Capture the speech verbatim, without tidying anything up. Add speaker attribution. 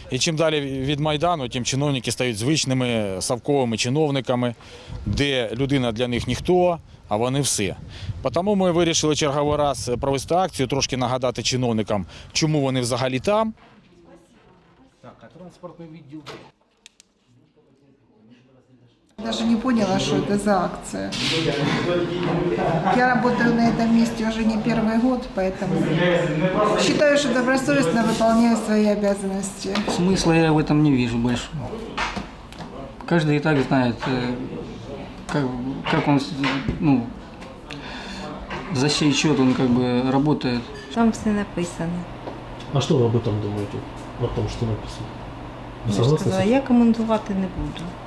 Speaker 1: І чим далі від Майдану, тим чиновники стають звичними совковими чиновниками, де людина для них ніхто, а вони все. Тому ми вирішили черговий раз провести акцію, трошки нагадати чиновникам, чому вони взагалі там.
Speaker 2: Так, а транспортный відділ?
Speaker 3: Даже не поняла, что это за акция. Я работаю на этом месте уже не первый год, поэтому считаю, что добросовестно выполняю свои обязанности.
Speaker 4: Смысла я в этом не вижу больше. Каждый и так знает, э, как, как он, ну, за чей счет он как бы работает.
Speaker 5: Там все написано.
Speaker 2: А що ви об этом думаєте? О том, що написано? Ви
Speaker 5: Я ж
Speaker 2: согласны?
Speaker 5: сказала, я коментувати не буду.